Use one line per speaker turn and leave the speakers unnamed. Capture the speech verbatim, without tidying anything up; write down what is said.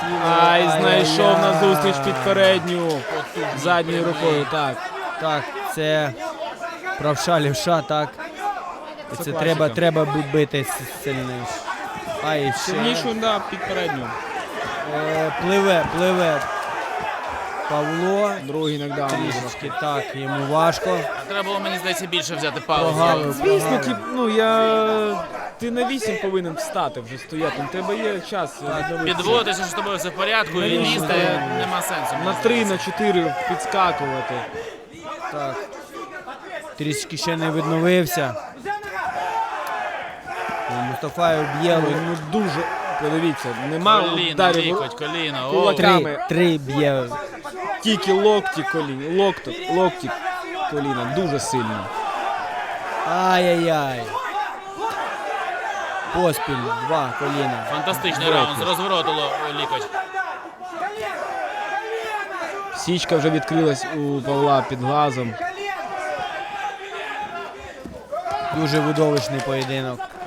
Ай, знайшов на зустріч під передню. Задньою рукою, так.
Так, це правша, лівша, так.
Це
Це
класика.
треба, треба бу- бити с- сильніше. Ай, ще.
Сильнішу, да, під передню.
Е, пливе, пливе. Павло.
Другий нокдаун.
Трішечки так, йому важко.
Треба було, мені здається, більше взяти паузу.
Прогавив,
Звісно,
прогавив.
ті, ну я... Ти на вісім повинен встати вже стояти. У тебе є час. відновитися.
Підводитися, що з тобою все в порядку, і
Навіщо?
лізти нема сенсу.
На три, на чотири підскакувати.
Так. Трішки ще не відновився. Ну, Мустафаєв б'є.
Ну, ну дуже, подивіться, нема
Коліна,
ударів.
лікоть, коліна. О,
Кулак.
Три, три б'є.
Тільки локті коліна, локто, локті коліна, дуже сильно.
Ай-яй-яй. Поспіль, два коліна.
фантастичний раунд, з розвороту ло- лікоть.
Січка вже відкрилась у Павла під глазом.
Дуже видовищний поєдинок.